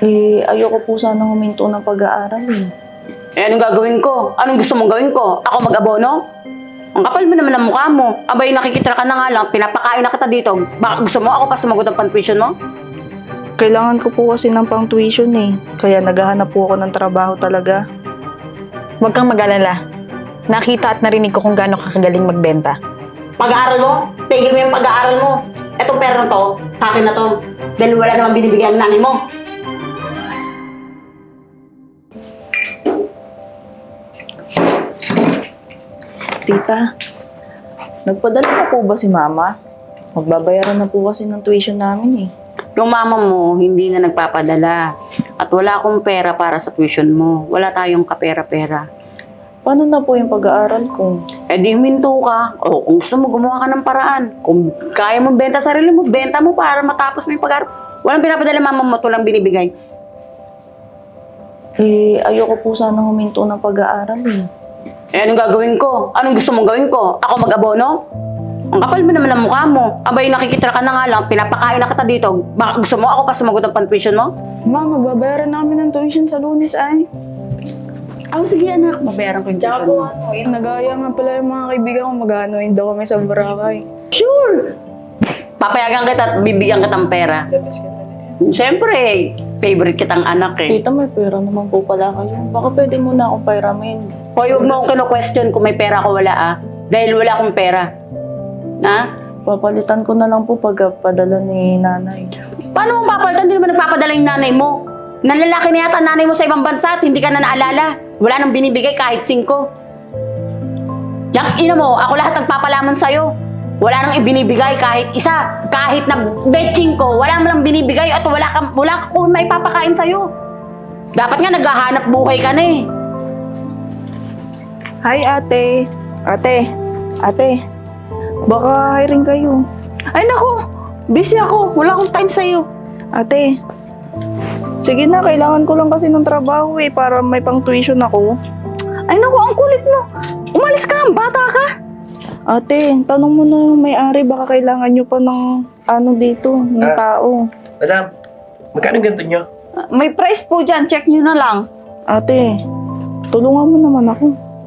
Ayoko po sana huminto ng pag-aaral eh. Anong gagawin ko? Anong gusto mong gawin ko? Ako mag-abono? Ang kapal mo naman ang mukha mo. Abay, nakikita ka na nga lang, pinapakain na kita dito. Baka gusto mo ako pa sumagot ng pan-tuition mo? Kailangan ko po kasi ng pang-tuition eh. Kaya naghahanap po ako ng trabaho talaga. Huwag kang mag-alala. Nakita at narinig ko kung gaano ka kagaling magbenta. Pag-aaral mo? Tigil mo yung pag-aaral mo. Etong pera na to, sa akin na to. Dahil wala naman binibigyan ng nanay mo. Tita, nagpadala na po ba si Mama? Magbabayaran na po kasi ng tuition namin eh. Yung mama mo, hindi na nagpapadala. At wala akong pera para sa tuition mo. Wala tayong kapera-pera. Paano na po yung pag-aaral ko? Eh di huminto ka. O kung gusto mo, gumawa ka ng paraan. Kung kaya mo benta sarili mo, benta mo para matapos mo yung pag-aaral. Walang pinapadala mama mo, ito lang binibigay. Ayoko po sana huminto ng pag-aaral eh. Anong gagawin ko? Anong gusto mong gawin ko? Ako mag-abono? Ang kapal mo naman ang mukha mo. Abay, nakikita ka na nga lang, pinapakain na kita dito. Baka gusto mo ako pa sumagot ng pan-tuition mo? Ma, magbabayaran namin ng tuition sa Lunes ay. Sige anak, mabayaran ko yung tuition mo. Nagaya nga pala yung mga kaibigan ko mag-anoin daw kami sa Boracay. Sure! Papayagan kita at bibigyan kitang pera. Siyempre, favorite kitang anak eh. Tita, may pera naman po pala kayo. Baka pwede mo na akong pairamin. Hoy, huwag mo akong kino-question kung may pera ko wala ah. Dahil wala akong pera. Ha? Papalitan ko na lang po pagpadala ni nanay. Paano mo papalitan? Hindi naman nagpapadala yung nanay mo. Nanlalaki na yata nanay mo sa ibang bansa at hindi ka na naalala. Wala nang binibigay kahit 5. Yang ina mo, ako lahat nagpapalaman sa'yo. Wala nang ibinibigay kahit isa. Kahit na betching ko, wala mo lang binibigay at wala ka kung may papakain sa'yo. Dapat nga naghahanap buhay ka na eh. Hi, ate. Ate. Baka hiring kayo. Ay naku! Busy ako. Wala akong time sa'yo. Ate. Sige na, kailangan ko lang kasi ng trabaho eh, para may pang-tuition ako. Ay naku, ang kulit mo. Umalis ka, bata ka. Ate, tanong mo na yung may-ari, baka kailangan nyo pa ng dito, ng tao. Madam, magkano yung ganito nyo? May price po dyan. Check nyo na lang. Ate, tulungan mo naman ako.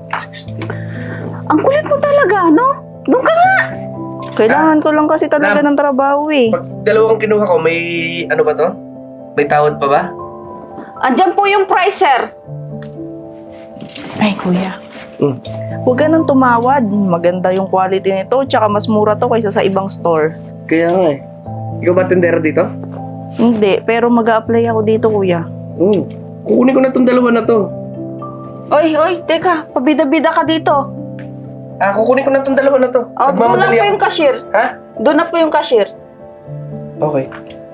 Ang kulit mo talaga, no? Doon ka nga! Kailangan ko lang kasi talaga ng trabaho eh. Pag dalawang kinuha ko, may ano ba to? May tawad pa ba? Andyan po yung price, sir. Ay, kuya. Huwag ka nang tumawad. Maganda yung quality nito, tsaka mas mura to kaysa sa ibang store. Kaya nga eh. Ikaw ba tendera dito? Hindi, pero mag-a-apply ako dito, kuya. Kukunin ko na tong dalawa na to. Oy, teka. Pabida-bida ka dito. Kukunin ko na tong dalawa na to. Oh, doon na po yung cashier. Ha? Doon na po yung cashier. Okay.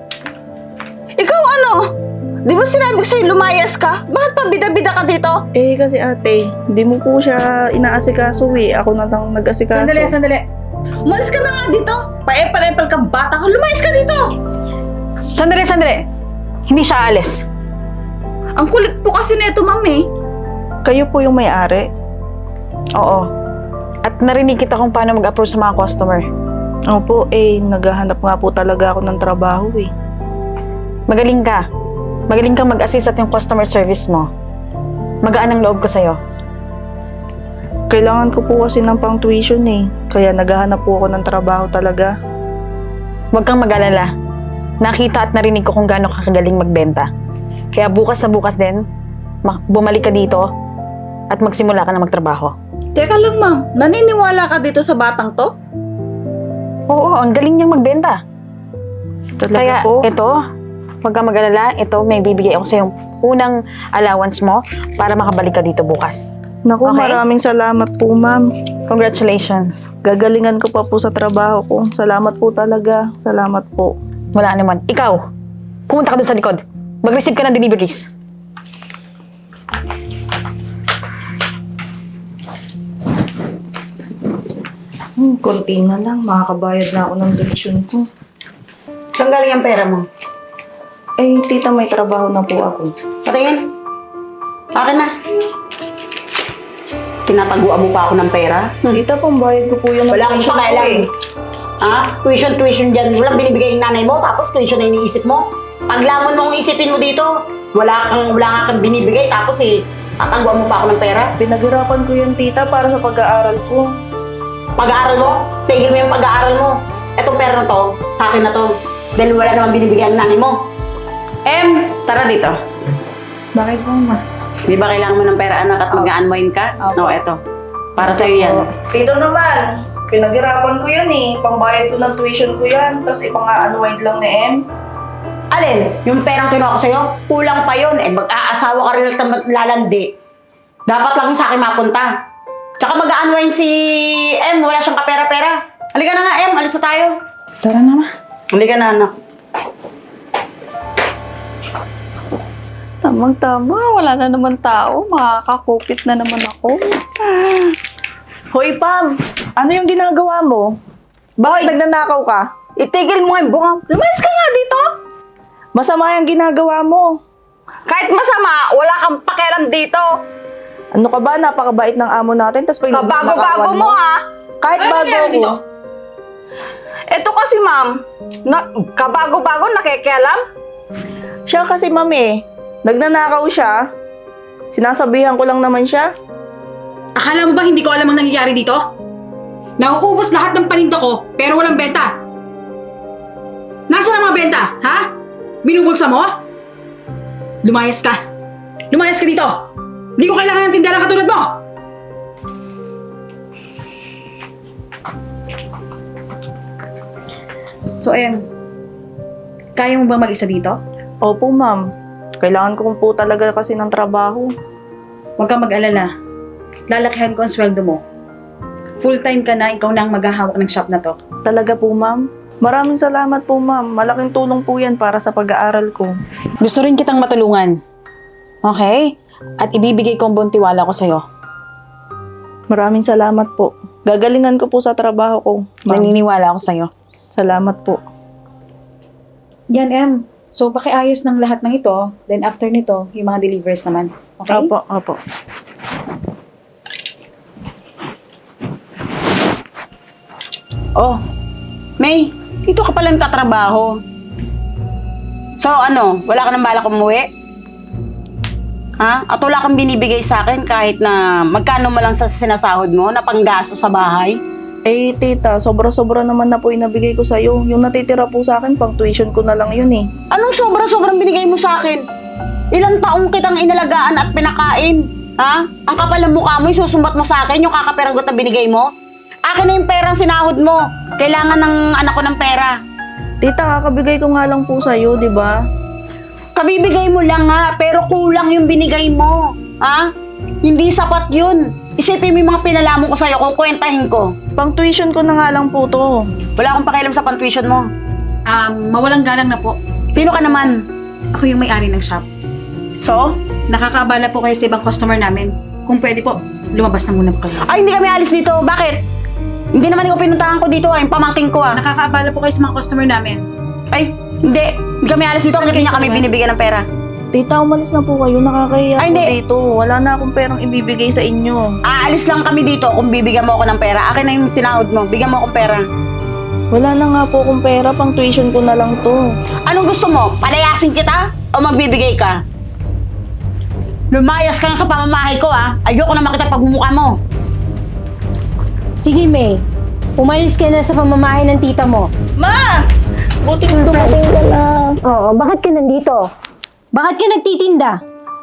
Ikaw ano? Di ba sinabi ko sa'yo lumayas ka? Bakit pabida-bida ka dito? Kasi ate, hindi mo po siya inaasikaso eh. Ako na lang nag-asikaso. Sandali. Umalis ka na nga dito. Paepal-epal kang bata ka. Lumayas ka dito. Sandali. Hindi siya alis. Ang kulit po kasi nito, mami. Kayo po yung may-ari? Oo. At narinig kita kung paano mag-approach sa mga customer. Opo, naghahanap nga po talaga ako ng trabaho eh. Magaling ka. Magaling kang mag-assist at yung customer service mo. Magaan ang loob ko sa'yo. Kailangan ko po kasi ng pang-tuition eh. Kaya naghahanap po ako ng trabaho talaga. Huwag kang mag-alala. Nakita at narinig ko kung gaano ka kagaling magbenta. Kaya bukas na bukas din, bumalik ka dito at magsimula ka na magtrabaho. Teka lang, ma'am. Naniniwala ka dito sa batang to? Oo, ang galing niyang magbenta. Talaga Kaya po? ito, huwag kang mag-alala. Ito, may bibigay ako sa yung unang allowance mo para makabalik ka dito bukas. Naku, Okay. maraming salamat po, ma'am. Congratulations. Gagalingan ko pa po sa trabaho ko. Salamat po talaga. Salamat po. Wala naman. Ikaw, pumunta ka doon sa likod. Mag-receive ka ng deliveries. Konti na lang. Makakabayad na ako ng tuition ko. Saan galing ang pera mo? Tita, may trabaho na po ako. Patingin. Akin na. Tinataguan mo pa ako ng pera? Tita, pambayad ko po yun ng Wala akong tuition ko pakialam. Tuition dyan. Walang binibigay ng nanay mo, tapos tuition na iniisip mo. Paglamon mo ang isipin mo dito, Wala nga kang binibigay tapos tatagwan mo pa ako ng pera. Pinaghirapan ko yan, tita, para sa pag-aaral ko. Pag-aaral mo, tigil mo yung pag-aaral mo. Etong pera na to, sa akin na to. Dahil wala naman binibigyan ng nanay mo. Tara dito. Bakit po, ma? Di ba kailangan mo ng pera, anak, at mag-unwind ka? Opo. Eto. Para sa'yo yan. Tito naman, pinaghirapan ko yan eh. Pambayad ko ng tuition ko yan, tapos ipang-unwind lang ni Em. Alin? Yung perang kinuha ko sa'yo, kulang pa yun. Mag-aasawa ka rin lang lalandi. Dapat lang yung sa akin mapunta. Tsaka mag-unwind si Em, wala siyang kapera-pera. Halika na nga, Em, alis na tayo. Tara na, ma. Halika na, anak. Tamang-tama, wala na naman tao. Makakakupit na naman ako. Hoy, Pam! Ano yung ginagawa mo? Bakit nagnanakaw ka? Itigil mo nga yung bunga. Lumayas ka nga dito! Masama yung ginagawa mo. Kahit masama, wala kang pakialam dito. Ano ka ba? Napakabait ng amo natin, tapos pag Kabago-bago mo ha! Kahit Ano bago nangyari ako. dito? Ito kasi ma'am, kabago-bago nakikialam. Siya kasi, ma'am eh. Nagnanakaw siya. Sinasabihan ko lang naman siya. Akala mo ba hindi ko alam ang nangyayari dito? Nauubos lahat ng paninda ko, pero walang benta. Nasaan ang mga benta, ha? Binubulsa mo? Lumayas ka. Lumayas ka dito. Hindi ko kailangan ng tindera katulad mo. So, kaya mo bang mag-isa dito? Opo, ma'am. Kailangan ko po talaga kasi ng trabaho. Huwag kang mag-alala. Lalakihan ko ang sweldo mo. Full-time ka na, ikaw na ang maghahawak ng shop na to. Talaga po, ma'am. Maraming salamat po, ma'am. Malaking tulong po yan para sa pag-aaral ko. Gusto rin kitang matulungan. Okay? At ibibigay ko ang buong tiwala ko sa'yo. Maraming salamat po. Gagalingan ko po sa trabaho ko, ma'am. Naniniwala ako sa'yo. Salamat po. Yan, Em. So, pakiayos ng lahat ng ito. Then after nito, yung mga deliveries naman. Okay? Opo, opo. Oh, May, dito ka pala nagtatrabaho. So ano, wala ka nang balak umuwi? Ha? At wala kang binibigay sa akin kahit na magkano mo lang sa sinasahod mo na panggasto sa bahay? Eh, tita, sobra-sobra naman na po inabigay ko sa'yo. Yung natitira po sa akin, pang tuition ko na lang yun eh. Anong sobra-sobrang binigay mo sa akin? Ilang taong kitang inalagaan at pinakain? Ha? Ang kapal ng mukha mo, isusumbat mo sa akin yung kakaperagot na binigay mo? Akin na yung perang sinahod mo. Kailangan ng anak ko ng pera. Tita, kakabigay ko nga lang po sa'yo, di ba? Kabibigay mo lang nga, pero kulang yung binigay mo. Ha? Hindi sapat yun. Isipin mo yung mga pinalamon ko sa'yo kung kwentahin ko. Pang tuition ko na nga lang po to. Wala akong pakialam sa pantuition mo. Mawalang galang na po. Sino ka naman? Ako yung may-ari ng shop. So? Nakakaabala po kayo sa ibang customer namin. Kung pwede po, lumabas na muna po kayo. Ay, hindi kami alis dito. Bakit? Hindi naman ikaw pinuntahan ko dito, yung pamangking ko Nakakaabala po kayo sa mga customer namin. Ay, hindi. Hindi kami alis dito kasi niya kami binibigyan ng pera. Tita, umalis na po kayo. Nakakahiya Ay, po hindi. dito. Wala na akong perang ibibigay sa inyo. Aalis lang kami dito kung bibigyan mo ako ng pera. Akin na yung sinahod mo. Bigyan mo akong pera. Wala na nga po akong pera. Pang tuition ko na lang to. Anong gusto mo? Palayasin kita? O magbibigay ka? Lumayas ka na sa pamamahay ko, ha? Ayoko na makita pagmumukha mo. Sige, May. Umalis ka na sa pamamahay ng tita mo. Ma! Buti dumating ka na. Oo, bakit ka nandito? Bakit ka nagtitinda?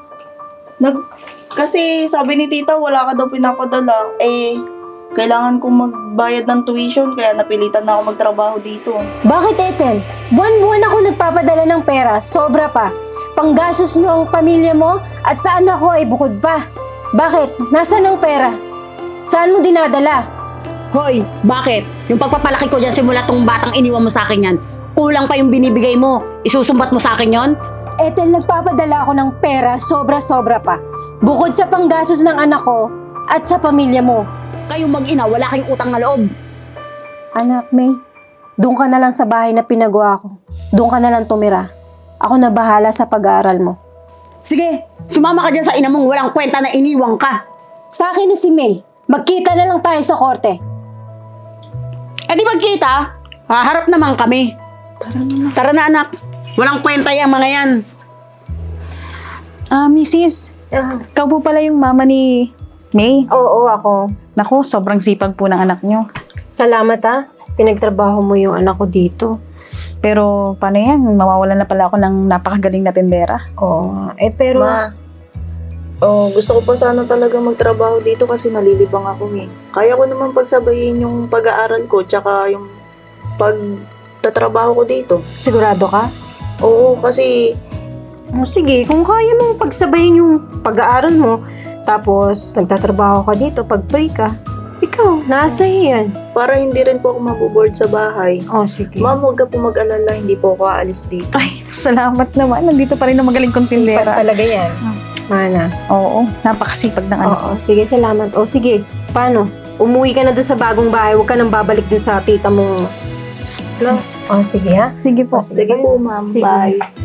Kasi sabi ni tita, wala ka daw pinapadala. Eh, kailangan kong magbayad ng tuition, kaya napilitan na ako magtrabaho dito. Bakit, Ethel? Buwan-buwan ako nagpapadala ng pera, sobra pa. Panggastos nyo ang pamilya mo at sa anak ko ay bukod pa. Bakit? Nasaan ang pera? Saan mo dinadala? Hoy, bakit? Yung pagpapalaki ko dyan simula tong batang iniwan mo sa akin yan, kulang pa yung binibigay mo. Isusumbat mo sa akin yon? Ethel, nagpapadala ako ng pera, sobra-sobra pa. Bukod sa panggastos ng anak ko at sa pamilya mo. Kayong mag-ina, wala kayong utang na loob. Anak, May, doon ka na lang sa bahay na pinagawa ko. Doon ka na lang tumira. Ako na bahala sa pag-aaral mo. Sige, sumama ka dyan sa ina mong walang kwenta na iniwang ka. Sa akin na si May. Magkita na lang tayo sa korte. Eh di magkita, haharap naman kami. Tara na anak. Walang kwenta yung mga yan. Mrs. Ikaw po pala yung mama ni May. Oo, ako. Naku, sobrang sipag po ng anak nyo. Salamat ha. Pinagtrabaho mo yung anak ko dito. Pero paano yan? Mawawalan na pala ako ng napakagaling na tindera. Oo. Pero... Ma, gusto ko pa sana talaga magtrabaho dito kasi nalilibang ako eh. Kaya ko naman pagsabayin yung pag-aaral ko tsaka yung pagtatrabaho ko dito. Sigurado ka? Oo, kasi Sige, kung kaya mong pagsabayin yung pag-aaral mo, tapos nagtatrabaho ka dito, pag-pray ka, ikaw, nasa yan. para hindi rin po ako maboboard sa bahay. Sige. Ma'am, huwag ka po mag-alala, hindi po ako aalis dito. Ay, salamat naman. Nandito pa rin ang magaling kong Sipag tindera. talaga yan. Mana. Oo, napakasipag ng anak. Oo, sige, salamat. Sige, paano? Umuwi ka na doon sa bagong bahay, huwag ka nang babalik doon sa tita mong... Sige ha? Sige po. Sige po, ma'am. Sige. Bye.